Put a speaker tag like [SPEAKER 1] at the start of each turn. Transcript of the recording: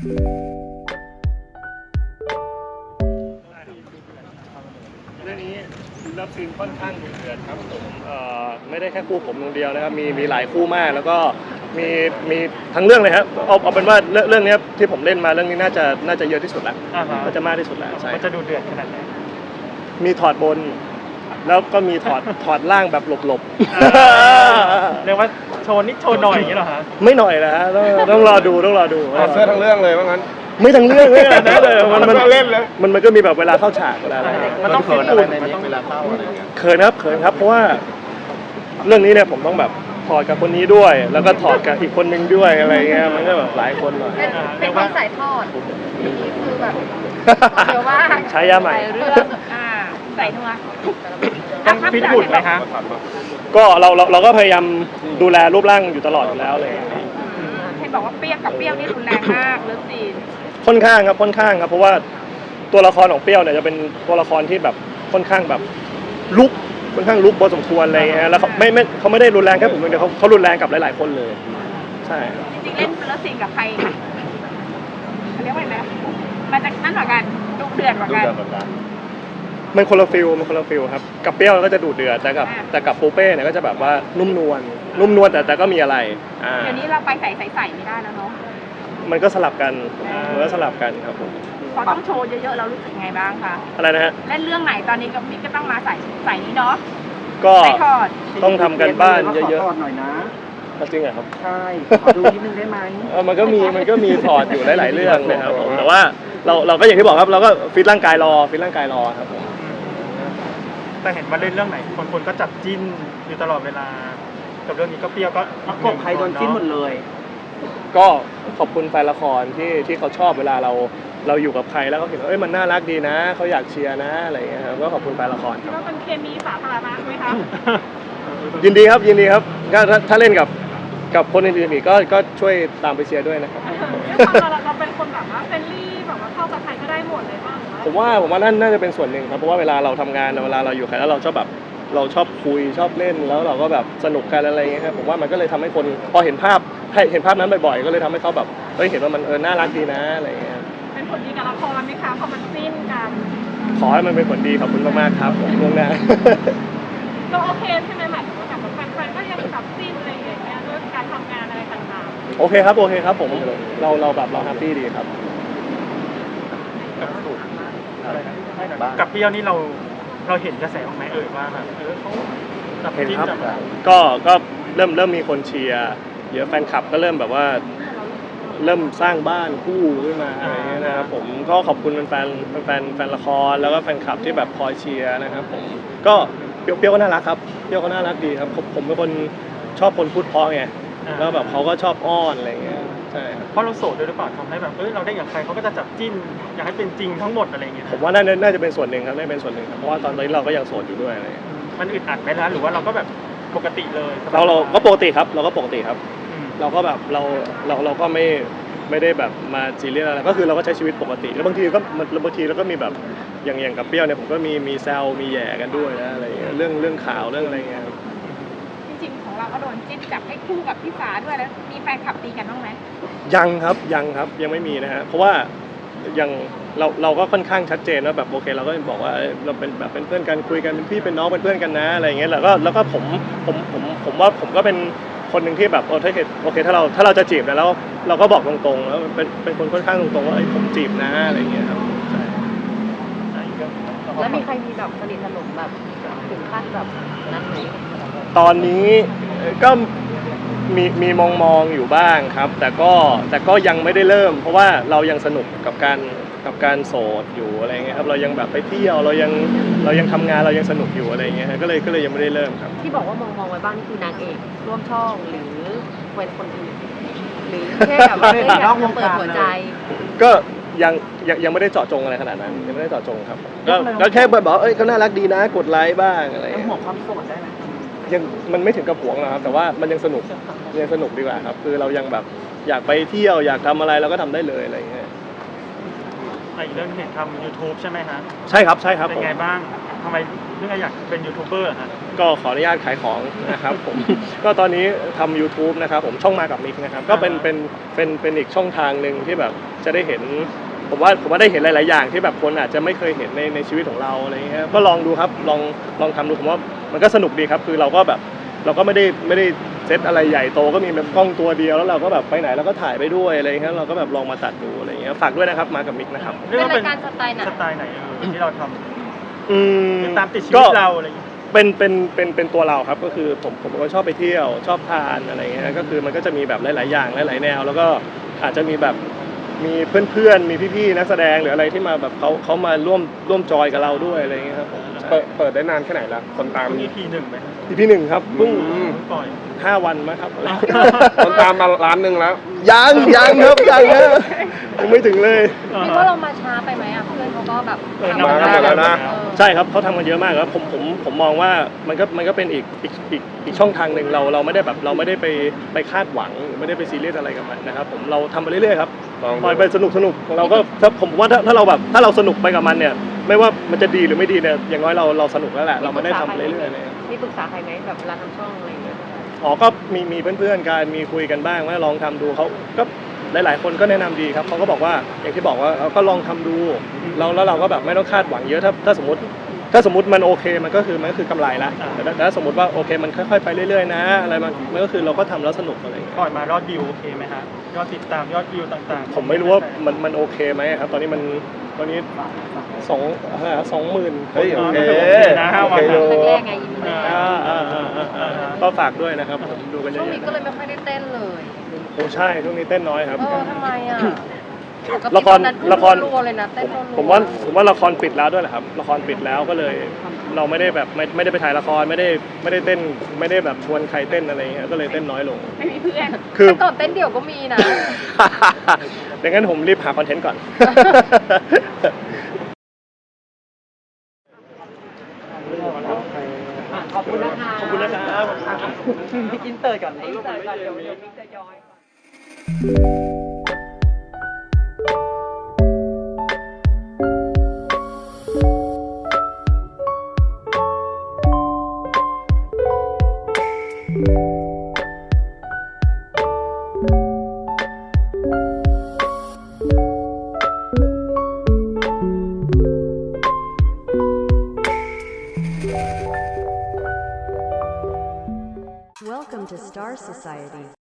[SPEAKER 1] เรื่องนี้เลิฟซีนค่อนข้างดุเดือดครับผมไม่ได้แค่คู่ผมคนเดียวนะครับมีหลายคู่มากแล้วก็มีทั้งเรื่องเลยครับเอาเป็นว่าเรื่องนี้ที่ผมเล่นมาเรื่องนี้น่าจะเยอะที่สุดแล้วน่าจะมากที่สุดแล้วใช่
[SPEAKER 2] มันจะดุเดือดขนาดไหน
[SPEAKER 1] มีถอดบนแล้วก็มีถอดล่างแบบหลบ
[SPEAKER 2] ๆเรียกว่าโชว์นิดโชว์หน่อยอย่างนี้เหรอฮะ
[SPEAKER 1] ไม่หน่อยนะฮะต้องรอดู
[SPEAKER 3] เสื้อทั้งเรื่องเลยว่างั้น
[SPEAKER 1] ไม่ทั้งเรื่องเลยนะเลย
[SPEAKER 3] มันเล่นเลย
[SPEAKER 1] มันก็มีแบบเวลาเข้าฉากเวลาอะไร
[SPEAKER 2] มันต้องเขินอะไรในนี้
[SPEAKER 3] เวลาเข้าอะไรเงี้ย
[SPEAKER 1] เขินครับเพราะว่าเรื่องนี้เนี่ยผมต้องแบบถอดกับคนนี้ด้วยแล้วก็ถอดกับอีกคนนึงด้วยอะไรเงี้ยมันก็แบบหลายคนหน่อย
[SPEAKER 4] เป็นคนสายทอดนี่คือแบบเดี๋ยวว่า
[SPEAKER 1] ใช้ยาใหม่
[SPEAKER 4] เรื่องใส่นัว
[SPEAKER 2] ต้องฟิตหุ่นไหมคะ
[SPEAKER 1] ก็เราก็พยายามดูแลรูปร่างอยู่ตลอดอยู่แล้วเลย
[SPEAKER 4] เห็นบอกว่าเปรี้ยวกับเปรี้ยวนี่รุนแรงมากเลิฟซีน
[SPEAKER 1] ค่อนข้างครับเพราะว่าตัวละครของเปรี้ยวเนี่ยจะเป็นตัวละครที่แบบค่อนข้างแบบลุกค่อนข้างลุกพอสมควรอะไรเงี้ยแล้วเขาไม่ได้รุนแรงแค่ผมคนเดียวเขารุนแรงกับหลายๆคนเลยใช่
[SPEAKER 4] จริงๆเล่นเลิฟซีนกับใครเขาเรียกว่าอะไรมันจะนั่นกว่ากันดุเดือดกว่ากัน
[SPEAKER 1] มันคนละฟิลครับกับเปรี้ยวก็จะดุเดือดแต่กับปูเป้เนี่ยก็จะแบบว่านุ่มนวลแต่ก็มีอะไร
[SPEAKER 4] เดี๋ยวนี้เราไปใส่ไม่ได้แล้วเนาะ
[SPEAKER 1] มันก็สลับกันครับผม
[SPEAKER 4] พอต้องโชว์เยอะๆเรารู้สึกไงบ้างคะ
[SPEAKER 1] อะไรนะฮะ
[SPEAKER 4] เล่นเรื่องไหนตอนนี้กับมิกก็ต้องมาใส่นี้เนาะ
[SPEAKER 1] ก็ต้องทำกันบ้านเยอะ
[SPEAKER 3] ๆหน่อยนะ
[SPEAKER 1] จริงเหรอครับ
[SPEAKER 3] ใช่ดูนิดนึงได้ไหม
[SPEAKER 1] มันก็มีถอดอยู่หลายๆเรื่องนะครับแต่ว่าเราก็อย่างที่บอกครับเราก็ฟิตร่างกายรอครับผม
[SPEAKER 2] แต่เห็นว่าเล่นเรื่องไหนคนก็จับจิ้นอยู่ตลอดเวลากับเรื่องนี้ก็เปรี้ยวก็
[SPEAKER 3] ประกบใครโดนจิ้นหมดเลย
[SPEAKER 1] ก็ขอบคุณแฟนละครที่เขาชอบเวลาเราอยู่กับใครแล้วเขาเห็นว่ามันน่ารักดีนะเขาอยากเชียร์นะอะไรอย่างเงี้ยครับก็ขอบคุณแฟนละคร
[SPEAKER 4] คิดว่าเป็นเคมีสาธารณะไหมคะ
[SPEAKER 1] ยินดีครับก็ถ้าเล่นกับคนอื่นๆอีกก็ช่วยตามไปเชียร์ด้วยนะครับ
[SPEAKER 4] เราเป็นคนแบบว่าเฟรนลี่แบบว่าเข้ากับใครก็ได้หมดเลยบ้าง
[SPEAKER 1] ผมว่านั่นน่าจะเป็นส่วนหนึ่งครับเพราะว่าเวลาเราทำงานเวลาเราอยู่ใครแล้วเราชอบคุยชอบเล่นแล้วเราก็แบบสนุกกันอะไรอย่างเงี้ยครับผมว่ามันก็เลยทำให้คนพอเห็นภาพนั้นบ่อยๆก็เลยทำให้เขาแบบเห็นว่ามันน่ารักดีนะอะไรอย่างเงี้ย
[SPEAKER 4] เป็นผลดีกับละครไหมคะพอมันจิ้นกัน
[SPEAKER 1] ขอให้มันเป็นผลดีขอบคุณมากๆครับผมล่วงหน้า
[SPEAKER 4] เราโอเคใช่ไหมหมายถึงว่าแบบแฟนๆก็ยังจับจิ้นอะไรอย่างเงี้ยด้วยการทำงานอะไรต่างๆ
[SPEAKER 1] โอเคครับผมเราแบบเราแฮปปี้ดีครับ
[SPEAKER 2] กับเปรี้ยวนี่เราเห็นกระแสของไหมว่าแบบเขาจับจิ้นจับ
[SPEAKER 1] ก็เริ่มมีคนเชียร์เยอะแฟนคลับก็เริ่มแบบว่าเริ่มสร้างบ้านคู่ขึ้นมาอะไรเงี้ยนะครับผมก็ขอบคุณแฟนละครแล้วก็แฟนคลับที่แบบคอยเชียร์นะครับผมก็เปรี้ยวก็น่ารักครับเปรี้ยวก็น่ารักดีครับผมเป็นคนชอบคนพูดเพราะไงแล้วแบบเขาก็ชอบอ้อนอะไรเงี้ยใช่
[SPEAKER 2] เพราะเราโสดด้วยหรือเปล่าทำให้แบบเราได้กับใครเขาก็จะจับจิ้นอยากให้เป็นจริงทั้งหมดอะไรเงี้ย
[SPEAKER 1] ผมว่าน่าจะเป็นส่วนหนึ่งครับเพราะว่าตอนนี้เราก็ยังโสดอยู่ด้วยอะไร
[SPEAKER 2] มันอึดอัดไหมล่ะหรือว่าเราก็แบบปกติเลย
[SPEAKER 1] เราก็ปกติครับเราก็แบบเราก็ไม่ได้แบบมาซีเรียสอะไรก็คือเราก็ใช้ชีวิตปกติแล้วบางทีเราก็มีแบบอย่างกับเปรี้ยวเนี่ยผมก็มีแซวมีแย่กันด้วยนะอะไรเงี้ยเรื่องข่าวเรื่องอะไรเงี้ย
[SPEAKER 4] จริงๆของเราก็โดนจิ้นจับให้คู่กับพี่ฟ้าด้วยแล้วมีแฟนคลับตีกันบ้างไหม
[SPEAKER 1] ยังครับยังไม่มีนะฮะเพราะว่ายังเราก็ค่อนข้างชัดเจนว่าแบบโอเคเราก็บอกว่าเราเป็นแบบเป็นเพื่อนกันคุยกันเป็นพี่เป็นน้องเป็นเพื่อนกันนะอะไรเงี้ยแล้วก็ผมว่าผมก็เป็นคนหนึ่งที่แบบถ้าเกิดโอเคถ้าเราจะจีบแล้วเราก็บอกตรงๆแล้วเป็นคนค่อนข้างตรงๆว่าผมจีบนะอะไรเงี้ยครับใช่
[SPEAKER 4] แล้วมีใครมีแบบสนิทสนมแบบถึงขั้นแบบนั้นไหม
[SPEAKER 1] ตอนนี้ก็มีมองอยู่บ้างครับแต่ก็ยังไม่ได้เริ่มเพราะว่าเรายังสนุกกับการโสดอยู่อะไรเงี้ยครับเรายังแบบไปเที่ยวเรายังทำงานเรายังสนุกอยู่อะไรเงี้ยก็เลยยังไม่ได้เริ่มครับ
[SPEAKER 4] ที่บอกว่ามองไว้บ้างนี่คือนางเอกร่วมช่องหรือเป็นคนอื่นหรือแค่แบบว่าอยากจะเปิดหัวใจ
[SPEAKER 1] ก็ยังไม่ได้เจาะจงอะไรขนาดนั้นยังไม่ได้เจาะจงครับก็แค่บอกเขาน่ารักดีนะกดไลค์บ้างอะไร
[SPEAKER 3] ห่วงความโสดได้ไหม
[SPEAKER 1] ยังมันไม่ถึงกับหวงหรอกครับแต่ว่ามันยังสนุกดีกว่าครับคือเรายังแบบอยากไปเที่ยวอยากทำอะไรเราก็ทำได้เลยอะไรอย่างเงี้ย
[SPEAKER 2] อีกเรื่องเห็นทำ YouTube ใช่ไหมฮะ
[SPEAKER 1] ใช่ครับใช่ครับ
[SPEAKER 2] เป็
[SPEAKER 1] ผม
[SPEAKER 2] นไงบ้างทำไมเรื่องอยากเป็นยูทูบเบอร์ฮะ
[SPEAKER 1] ก็ขออนุญาตขายของนะครับผม ก็ตอนนี้ทำ YouTube นะครับผมช่องมากับมิกนะครับก็เป็นอีกช่องทางหนึ่งที่แบบจะได้เห็นผมว่าได้เห็นหลาย ๆ อย่างที่แบบคนอาจจะไม่เคยเห็นในชีวิตของเราอะไรอย่างเงี้ยก็ลองดูครับลองทำดูผมว่ามันก็สนุกดีครับคือเราก็ไม่ได้เซตอะไรใหญ่โตก็มีแบบกล้องตัวเดียวแล้วเราก็แบบไปไหนเราก็ถ่ายไปด้วยอะไรอย่างเงี้ยเราก็แบบลองมาตัดดูอะไรอย่างเงี้ยฝากด้วยนะครับมากับมิกนะครับ
[SPEAKER 4] เป็นรายการสไตล์ไหน
[SPEAKER 2] สไตล์ไหนที่เราทำ
[SPEAKER 1] อืม
[SPEAKER 2] คือตามติดชีวิตเราอะไรอย่างเงี้ย
[SPEAKER 1] เป็นตัวเราครับก็คือผมเป็นคนชอบไปเที่ยวชอบทานอะไรเงี้ยก็คือมันก็จะมีแบบหลายๆอย่างหลายๆแนว แล้วก็อาจจะมีแบบมีเพื่อนๆมีพี่ๆนักแสดงหรืออะไรที่มาแบบเขามาร่วมจอยกับเราด้วยอะไรเงี้ยครับผม
[SPEAKER 5] เปิดได้นานแค่ไหนแล้วคนตาม
[SPEAKER 2] มีทีหนึ่งไหม
[SPEAKER 1] EP 1ครับเพิ่ง
[SPEAKER 2] ปล่อย
[SPEAKER 1] 5 วันมั้งครับ
[SPEAKER 5] คนตามมาล้านหนึ่งแล้ว
[SPEAKER 1] ยังครับยังนะยังไม่ถึงเลย
[SPEAKER 4] คิดว่าเรามาช้าไปไหมอ่ะเพื่อนเขาก็แบบ
[SPEAKER 5] มากันหมดแล้วนะ
[SPEAKER 1] ใช่ครับเขาทำกันเยอะมากครับผมมองว่ามันก็เป็นอีกช่องทางหนึ่งเราไม่ได้แบบเราไม่ได้ไปคาดหวังหรือไม่ได้ไปซีเรียสอะไรกับมันนะครับผมเราทำไปเรื่อยๆครับ
[SPEAKER 5] ลองดู
[SPEAKER 1] ปล่อยไปสนุกของเราก็ถ้าผมว่าถ้าเราแบบถ้าเราสนุกไปกับมันเนี่ยไม่ว่ามันจะดีหรือไม่ดีเนี่ยอย่างน้อยเราสนุกแล้วแหละเราไม่ได้ทำเรื่อยๆเลย
[SPEAKER 4] มีปรึกษาใครไหมแบบเวลาทำช่องอะไรอย่างเงี้ย
[SPEAKER 1] อ๋อก็มีเพื่อนๆกันมีคุยกันบ้างว่าลองทำดูเขาก็หลายๆคนก็แนะนำดีครับเขาก็บอกว่าอย่างที่บอกว่าก็ลองทำดูแล้วเราก็แบบไม่ต้องคาดหวังเยอะถ้าสมมติมันโอเคมันก็คือกำไรละแต่ถ้าสมมติว่าโอเคมันค่อยๆไปเรื่อยๆนะอะไรมันก็คือเราก็ทำแล้วสนุกอะไรอย่างเงี้ย
[SPEAKER 2] ปล่อยมายอดวิวโอเคไหมฮะยอดติดตามยอดวิวต่างๆ
[SPEAKER 1] ผมไม่รู้ว่ามันโอเคไหมครับตอนนี้20,000
[SPEAKER 5] เฮ้ยโอเค
[SPEAKER 2] นะ
[SPEAKER 5] โอเคอยู่
[SPEAKER 4] แรกๆไงยินดี
[SPEAKER 1] ก็ฝากด้วยนะครับผมดูกันเย
[SPEAKER 4] ช่วง
[SPEAKER 1] อะ
[SPEAKER 4] นี้ก็เลยไม่ค่อยได้เต้นเลย
[SPEAKER 1] ๆโอ้ใช่ช่วงนี้เต้นน้อยครับ
[SPEAKER 4] ทำไมอ่ะ
[SPEAKER 1] ละคร
[SPEAKER 4] รัวๆเลยนะเต้นรัวๆ
[SPEAKER 1] ผมว่าละครปิดแล้วด้วยแหละครับละครปิดแล้วก็เลยเราไม่ได้แบบไม่ได้ไปถ่ายละครไม่ได้เต้นไม่ได้แบบชวนใครเต้นอะไรอย่างเงี้ยก็เลยเต้นน้อยลง
[SPEAKER 4] ไม่มีเพื่อน
[SPEAKER 1] คือ
[SPEAKER 4] แต่ก่อนเต้นเดี่ยวก็มีนะ
[SPEAKER 1] ดังนั้นผมรีบหาคอนเทนต์ก่อน
[SPEAKER 3] ขอบคุณนะคะ
[SPEAKER 1] ขอบคุณนะครับ
[SPEAKER 3] อินเตอร์ก่อน
[SPEAKER 4] อินเสิร์ตก่อนเดี๋ยวมิกจะย้อย
[SPEAKER 6] Welcome to Star Society.